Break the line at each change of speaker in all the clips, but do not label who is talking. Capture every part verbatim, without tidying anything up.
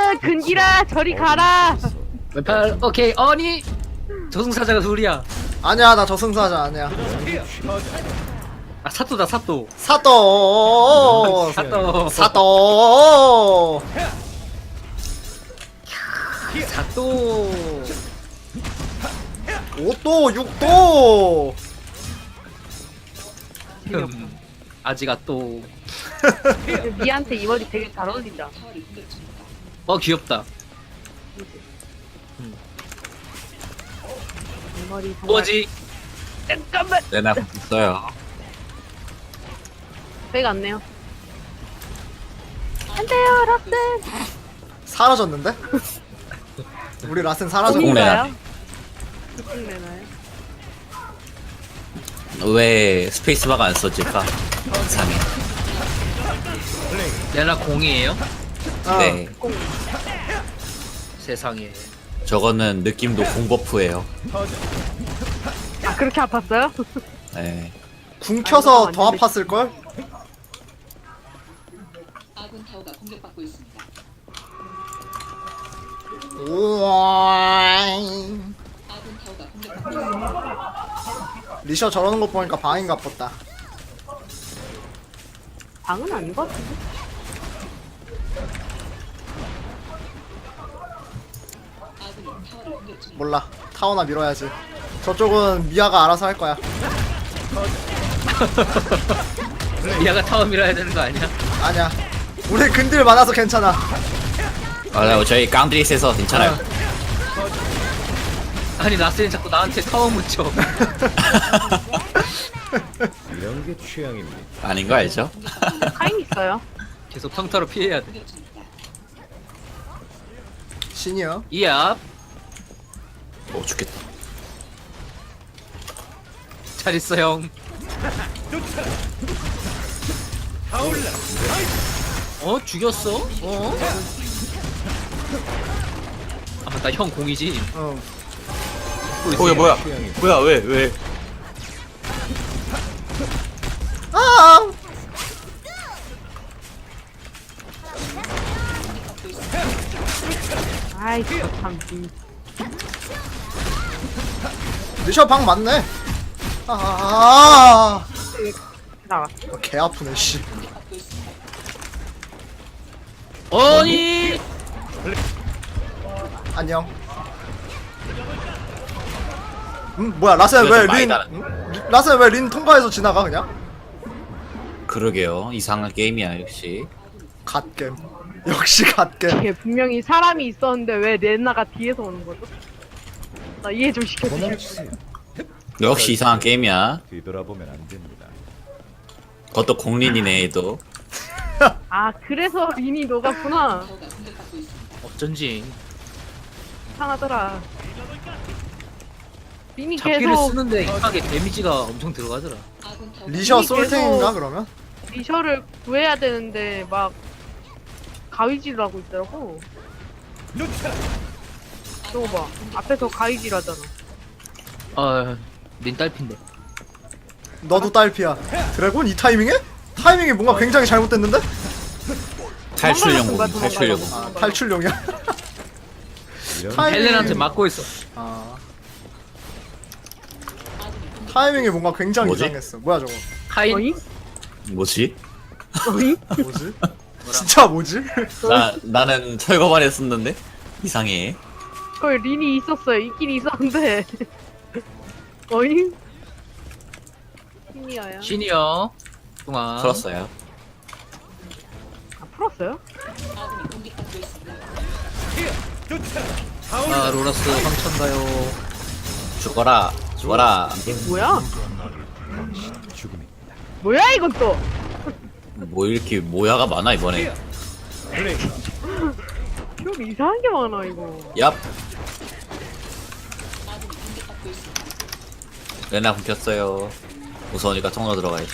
근기라 저리 가라.
왼팔 오케이. 아니 저승사자가 둘이야.
아니야 나 저승사자 아니야.
아 사또다 사또.
사또
사또.
사또
사또.
오도 육도.
음, 아지가 또.
미한테 이 머리 되게 잘 어울린다.
어 귀엽다.
이 머리 정말.
뭐지?
잠깐만.
내나 있어요.
배가 안 내요. 안 돼요, 라센.
사라졌는데? 우리 라센 사라졌고.
공내.
공인가요? 공 내나요?
왜 스페이스바가 안 써질까? 이상해.
레나 공이에요?
어.
네.
공.
세상에.
저거는 느낌도 공버프예요.
아 그렇게 아팠어요?
네.
궁 켜서
아,
더
이거
아팠을걸?
아군 타워가 공격받고 있습니다.
우와.
아군 타워가 공격받고 있습니다.
리셔 저러는 거 보니까 방인가 보다.
방은 아닌 것 같은데.
아군이 타워를 공격 중.
몰라. 타워나 밀어야지. 저쪽은 미아가 알아서 할 거야.
미아가 타워 밀어야 되는 거 아니야?
아니야. 우리 근딜 많아서 괜찮아.
아, 저희 깡드리스에서 괜찮아요.
아니 라스는 자꾸 나한테 타워 묻혀.
이런 게 취향입니다.
아닌 거 알죠?
카인 있어요.
계속 평타로 피해야 돼.
공격 중입니다.
신이요.
이압.
오 죽겠다.
잘 있어 형. 어 죽였어? 어? 아 맞다 형 공이지.
응.
뭐야 뭐야 뭐야 왜 왜?
아!
아이 저 참. 음.
리셔 방 맞네. 아.
나가.
개 아프네 씨.
아니
안녕. 음 뭐야 라센
이거
왜
좀 많이
린?
다른-
응? 리- 라센 왜 린 통과해서 지나가 그냥?
그러게요. 이상한 게임이야 역시.
갓겜. 역시 갓겜.
이게 분명히 사람이 있었는데 왜 레나가 뒤에서 오는 거죠? 나 이해 좀 시켜주세요.
도망치세요.
역시 이상한 게임이야.
뒤돌아보면 안 됩니다.
그것도 공린이네 얘도.
아 그래서 린이 녹았구나.
타워가 공격받고 있습니다.
어쩐지
이상하더라. 린이
잡기를
계속
쓰는데 이상하게 데미지가 엄청 들어가더라.
아군 타워가
리셔
이미
솔탱인가
계속-
그러면?
리셔를 구해야 되는데 막 가위질을 하고 있더라고. 저거 봐. 앞에서 가위질 하잖아.
아린 딸핀데.
너도 딸피야. 드래곤 이 타이밍에? 타이밍이 뭔가 굉장히 잘못됐는데?
탈출용
도망가는
공
거야,
탈출용
도망가는
공.
아 탈출용이야.
이런
타이밍이-
헬렌한테 맞고 있어.
아 타이밍이 뭔가 굉장히
뭐지?
이상했어. 뭐야 저거?
카인
어이?
뭐지?
어이?
뭐지? 진짜 뭐지?
나 나는 철거만 했었는데 이상해.
거기 린이 있었어요. 있긴 있었는데. 어이? 신이어요.
시니어 동안
풀었어요.
아, 풀었어요?
아군이 공격받고 있습니다.
아 로라스 황천가요.
죽어라 죽어라.
뭐야?
죽음입니다.
뭐야 이건 또?
뭐 이렇게 모야가 많아 이번에.
좀 이상한 게 많아 이거.
얍.
아군이 공격받고 있습니다.
레나 굶겼어요. 무서우니까 통로 들어가야지.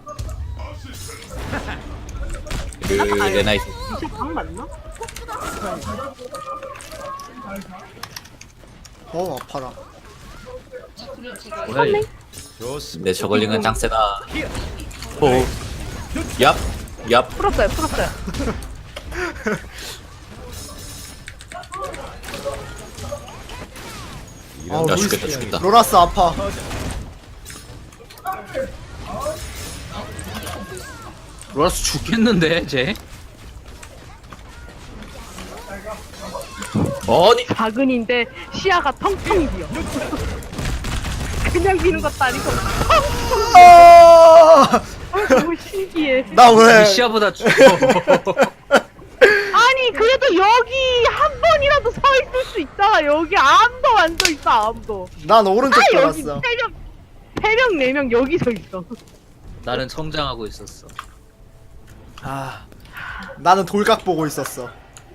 그 레나 있...
진짜 방 맞나?
어 아파라.
적군을 제거.
뭐야 이거.
좋습니다.
내 저걸링은 짱 세다. 호. 얍. 얍.
풀었어요 풀었어요.
아,
야
루이스
죽겠다 죽겠다.
로라스 아파.
로라스 죽겠는데 쟤?
아니
작은인데 시야가 텅텅 비어. 그냥 비는 것도 아니고
아!
아, 너무 신기해.
나 왜?
시야보다 죽어.
아니 그래도 여기 한 번이라도 서 있을 수 있잖아. 여기 아무도 안 서 있어 아무도.
난 오른쪽
아 여기
돌았어.
세 명, 세 명, 네 명 여기 서 있어.
나는 성장하고 있었어.
아, 나는 돌각 보고 있었어.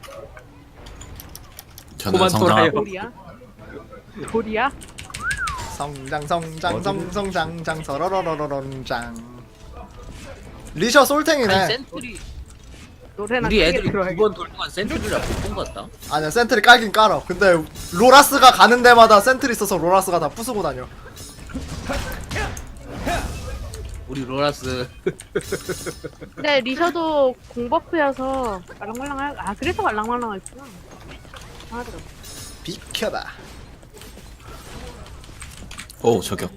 저는
그만
성장.
돌아요.
돌이야? 돌이야?
성장 성장 성 성장장 서러러러러런장. 리셔
아니
솔탱이네.
센트리
노래나
우리
크게
애들이
들어야겠다.
두 번 돌 동안 센트리를 못본것 같다.
아니야 센트리 깔긴 깔어. 근데 로라스가 가는 데마다 센트리 있어서 로라스가 다 부수고 다녀.
우리 로라스
근데 리셔도 공버프여서 말랑말랑할 아 그래서 말랑말랑했구나. 하더라고.
비켜봐.
오 저격.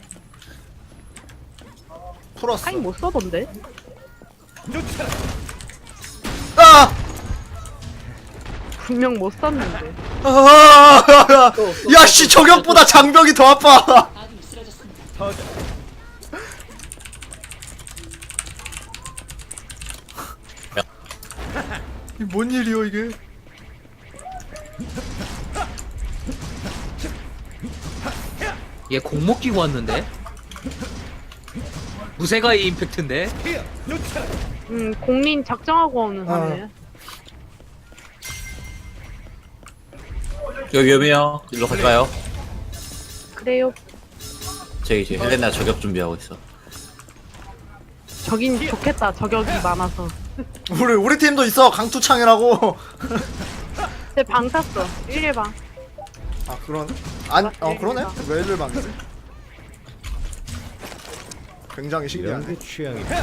풀었어.
타임 못 써던데?
아!
분명 못 썼는데.
아! 야씨 저격보다 장벽이 더 아파.
아군이 쓰러졌습니다.
이게 뭔 일이요 이게?
얘 공목 끼고 왔는데? 무쇠가이 임팩트인데?
음 공린 작정하고 오는
어.
하네.
여기 위험해요. 일로 갈까요?
그래요.
제 이제 헬레나 저격 준비하고 있어.
저긴 좋겠다. 저격이 많아서.
우리 우리 팀도 있어 강투창이라고.
쟤방 탔어. 일일 방.
아 그러네? 안, 어 그러네? 왜 일방이지? 굉장히
이런
신기하네.
게 취향입니다.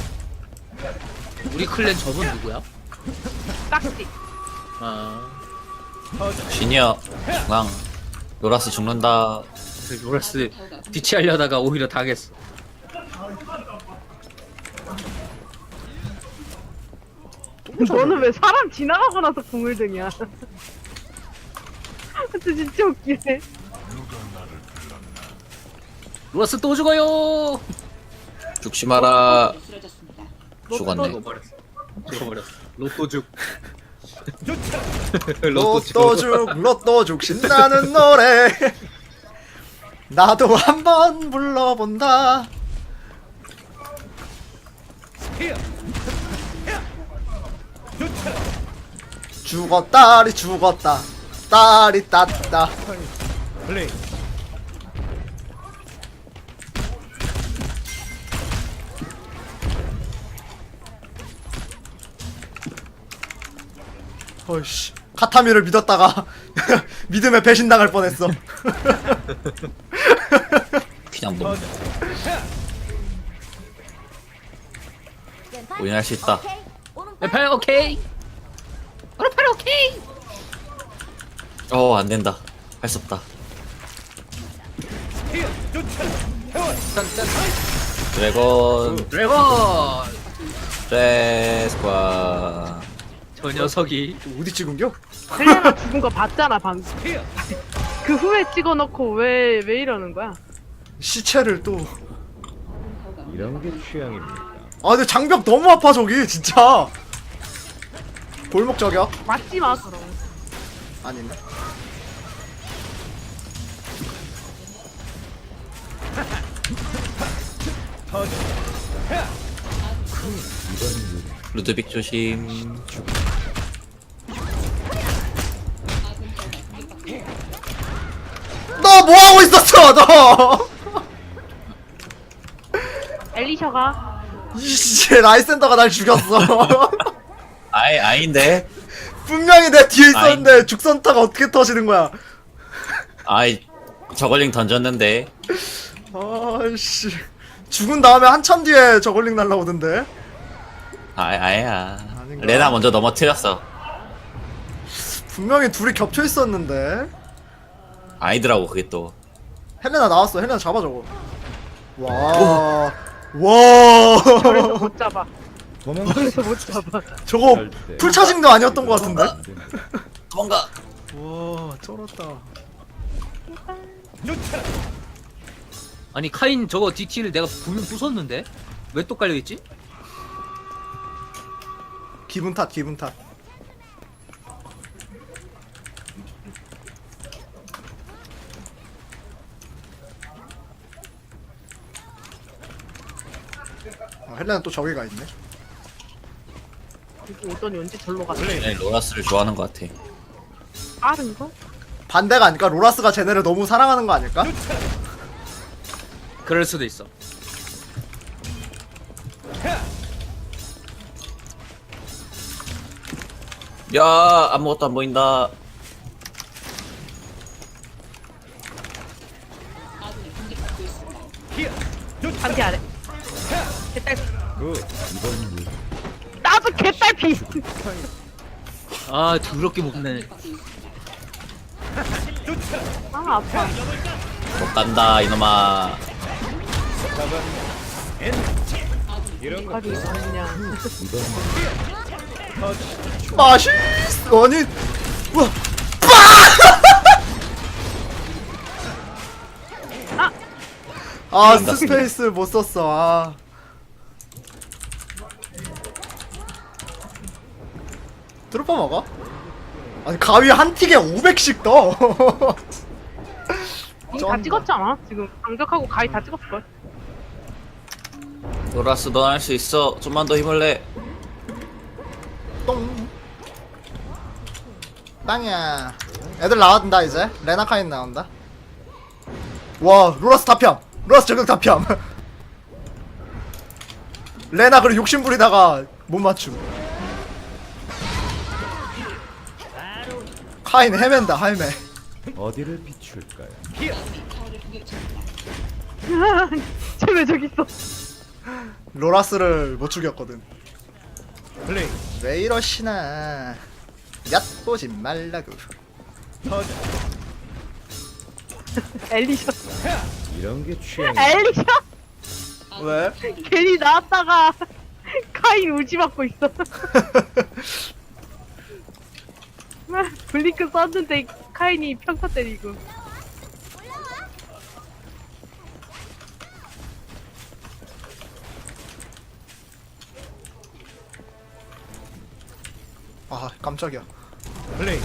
우리 클랜 저분 누구야?
깍지.
아
시니어 중앙. 로라스 죽는다.
로라스 뒤치하려다가 오히려 당했어.
너는 왜 사람 지나가고 나서 궁을 드냐? 진짜 진짜 웃기네.
로라스 또 죽어요.
죽지 마라.
아군이 쓰러졌습니다.
죽었네.
죽어버렸어. 죽어버렸어. 로또죽.
로또죽 로또죽 신나는 노래. 나도 한번 불러본다. 죽었다리 죽었다. 딸이 땄다.
플레이.
어이씨 카타미를 믿었다가 믿음에 배신당할 뻔했어.
그냥 뭐. 우인할 수 있다.
왼팔 오케이. 오른팔 오케이.
어 안된다. 할 수 없다.
짠짠.
드래곤
드래곤.
드레스과.
저 녀석이
어디 찍은겨?
헬레나 죽은 거 봤잖아 방금. 그 후에 찍어놓고 왜 왜 이러는 거야?
시체를 또.
이런 게 취향입니다.
아 근데 장벽 너무 아파 저기 진짜. 골목 저격?
맞지 마 그럼.
아니네.
루드빅 조심.
너 뭐하고 있었어 너.
엘리셔가
이씨 라이센더가 날 죽였어.
아이 아인데.
분명히 내 뒤에 있었는데 죽선타가 어떻게 터지는 거야.
아이 저걸링 던졌는데.
아씨 죽은 다음에 한참 뒤에 저걸링 날라오던데.
아이 아야.
아닌가?
레나 먼저 넘어뜨렸어.
분명히 둘이 겹쳐 있었는데.
아이더라고 그게 또.
헬레나 나왔어. 헬레나 잡아 저거. 와. 와.
그래서 못 잡아.
도망칠
그래서 못 잡아.
저거
절대.
풀차징도 아니었던 것 같은데.
안 됩니다.
도망가.
와, 쩔었다.
아니 카인 저거 디티를 내가 분명 부쉈는데 왜 또 깔려있지?
기분 탓, 기분 탓. 아, 헬레나 또 저기가 있네.
여기 오더니 언제 절로 갔어?
네, 로라스를 좋아하는 것 같아.
빠른 거?
반대가 아닐까? 로라스가 쟤네를 너무 사랑하는 거 아닐까?
그럴 수도 있어.
야, 아무것도 안 보인다.
아군이 공격받고 있습니다.
반대 아래. 개딸피.
그 이번 일
나도 개딸피.
아 더럽게 먹네.
받고 있습니다.
아 아파.
못 간다, 이놈아.
이런 거
가비 그냥.
이번
맛있! 아니, 우와,
아!
아, 스페이스 못 썼어. 아. 트루퍼 먹어? 아니 가위 한 틱에 오백씩 떠.
이거 다 찍었잖아. 지금 강력하고 가위 다 찍었을걸.
로라스, 넌 할 수 있어. 좀만 더 힘을 내.
똥. 땅이야. 애들 나왔다 이제. 레나카인 나온다. 와, 로라스 다피함. 로라스 저격 다피함. 레나 그리고 욕심 부리다가 못 맞춤. 카인 헤맨다 헤매.
어디를 비출까요?
아군이 타워를 공격 중입니다.
쟤왜 저기 있어?
로라스를 못 죽였거든.
플레이.
왜 이러시나. 얕보지 말라고.
터져.
엘리셔.
이런 게 취향이.
엘리셔?
왜?
괜히 나왔다가 카인 우지 맞고 있어. 블링크 썼는데 카인이 평타 때리고.
아, 깜짝이야.
플레이.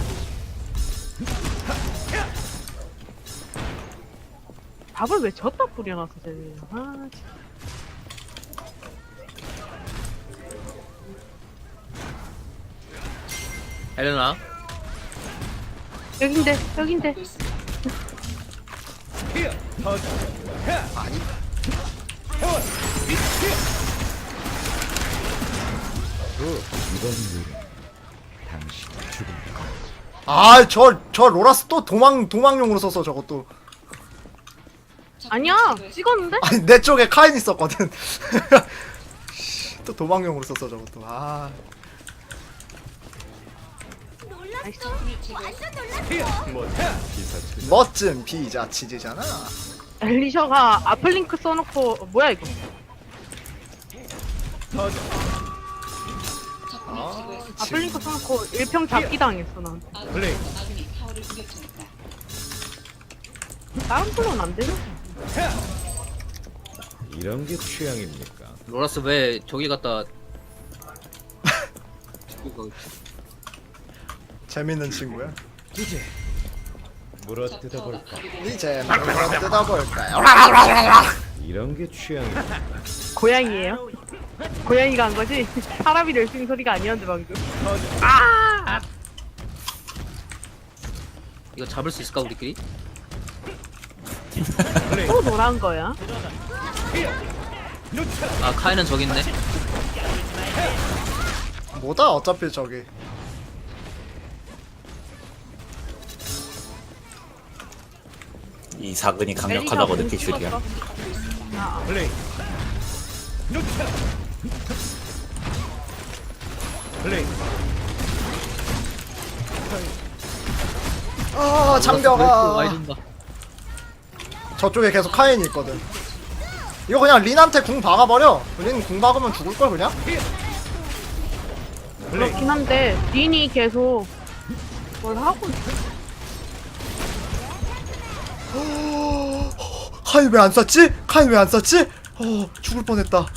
답을 왜 졌다 뿌려놨어 쟤네. 아 진짜.
헬레나
여긴데 여긴데.
받고 있습니다.
터져.
아니.
그 이번 일 당신 죽음다.
아, 저, 저 로라스 또 도망, 도망용으로 썼어, 저것도.
아니야 찍었는데?
아니, 내 쪽에 카인 있었거든. 또 도망용으로 썼어, 저것도. 아.
적군을 제거했습니다.
뭐 기사체.
멋진 피자 치즈잖아.
엘리셔가 아플링크 써놓고 어, 뭐야 이거?
터져.
적군을 제거했습니다.
아플링크 써놓고 일평 잡기 당했어 난.
아군이
플레이.
아군이 타워를 공격 중입니다.
다른 플로는 안 되죠?
이런 게 취향입니까?
로라스 왜 저기 갔다
재밌는 친구야.
이제 물어 뜯어볼까?
이제 한번 뜯어볼까요?
이런 게 취향입니까?
고양이에요? 고양이가 한 거지? 사람이 낼 수 있는 소리가 아니었는데 방금.
이거 잡을 수 있을까 우리끼리?
플레이.
또 노란 거야?
아 카인은 저기 있네.
뭐다 어차피 저기.
이 사근이 강력하다고 느낄 줄이야.
아,
플레이. 플레이.
아,
로라스 왜 이렇게
장벽아.
많이 준다.
저쪽에 계속 카인이 있거든. 이거 그냥 린한테 궁 박아버려. 린 궁 박으면 죽을걸 그냥?
그렇긴 한데 린이 계속 뭘 하고 있어.
카인 왜 안 쐈지? 카인 왜 안 쐈지? 어 죽을 뻔했다.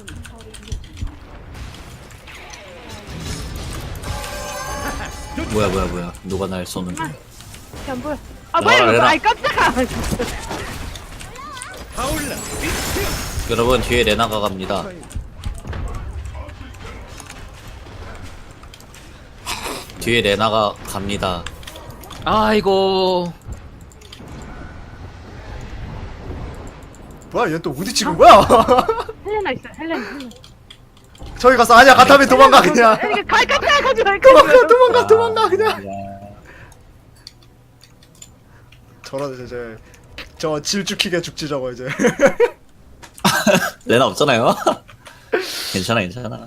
뭐야 뭐야 뭐야 누가 날 쏘는 중.
이게 안 보여. 아 뭐야
나와라,
이거.
내놔.
아이 깜짝아.
여러분 뒤에 레나가 갑니다. 뒤에 레나가 갑니다.
아이고.
뭐야 얘 또 어디 찍은 거야?
헬레나 있어. 헬레나. 헬레나.
저기 가서 아니야 가타미 도망가 그냥.
이게 갈 깜짝아 가지 말
도망가 도망가 도망가 그냥. 저런 이제 이제 저 질죽히게 죽지 저거 이제.
레나 없잖아요. 괜찮아 괜찮아.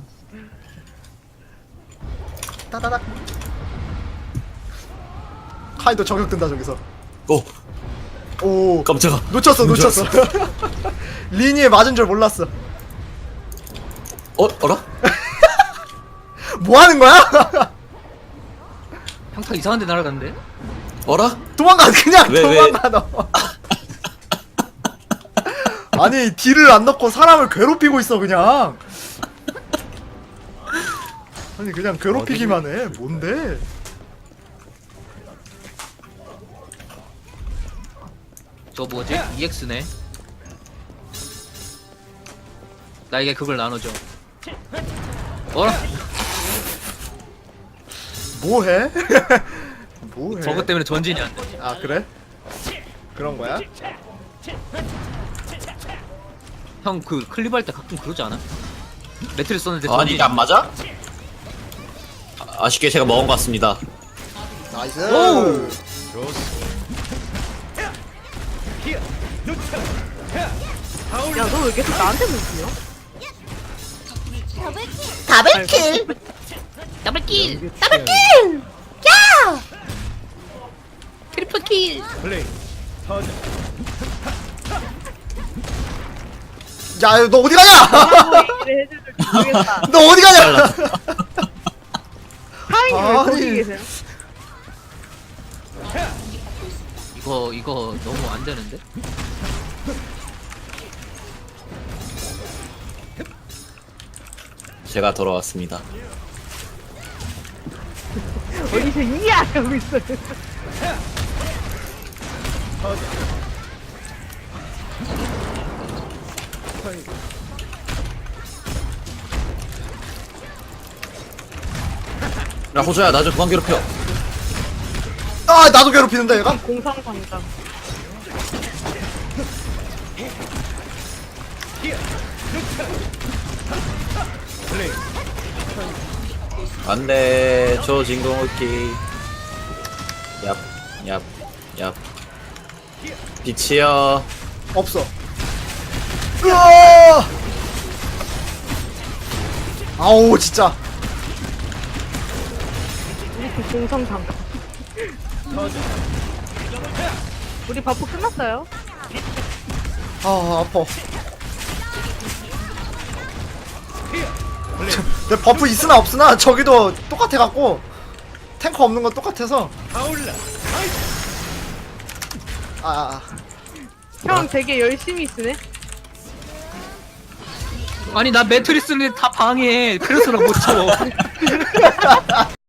따다닥. 카이도 저격된다 저기서.
오
오.
깜짝아.
놓쳤어 놓쳤어. 리니에 맞은 줄 몰랐어.
어 어라?
뭐 하는 거야?
평타 이상한 데 날아갔는데?
어라?
도망가 그냥
왜, 왜?
도망가 너. 아니 딜을 안 넣고 사람을 괴롭히고 있어 그냥. 아니 그냥 괴롭히기만 해. 뭔데?
저 뭐지? 이엑스네. 나에게 그걸 나눠줘. 어라?
뭐해? 뭐해?
저것 때문에 전진이 안 돼.
아 그래? 그런 거야?
형 그 클립 할 때 가끔 그러지 않아? 매트를 썼는데
아니
전진이
이게 안 맞아? 아, 아쉽게 제가 먹은 것 같습니다.
나이스.
오우.
야 너 왜 계속 나한테 물지냐?
다백킬.
더블킬!
더블킬!
트리플킬!
플레이. 터져.
야 너 어디 가냐?
하고 얘기를 해줄 줄 모르겠다.
너 어디 가냐?
하인이 왜
아니.
거기 계세요?
이거 이거 너무 안 되는데?
제가 돌아왔습니다.
어디서 이야 하고 있어요.
야 호주야 나 좀 그만 괴롭혀.
아 나도 괴롭히는데 얘가?
공상방장.
플레이.
안돼 저 진공호끼. 얍얍얍 빛이여.
없어. 으아! 아우 진짜.
이렇게 공상방장. 우리 바쁘 끝났어요.
아 아파. 내 버프 있으나 없으나 저기도 똑같아 갖고 탱커 없는 건 똑같아서.
타올라.
아, 아, 아.
형 되게 열심히 쓰네.
아니 나 매트리 쓰는데 다 방해해. 그래서 나 못 쳐.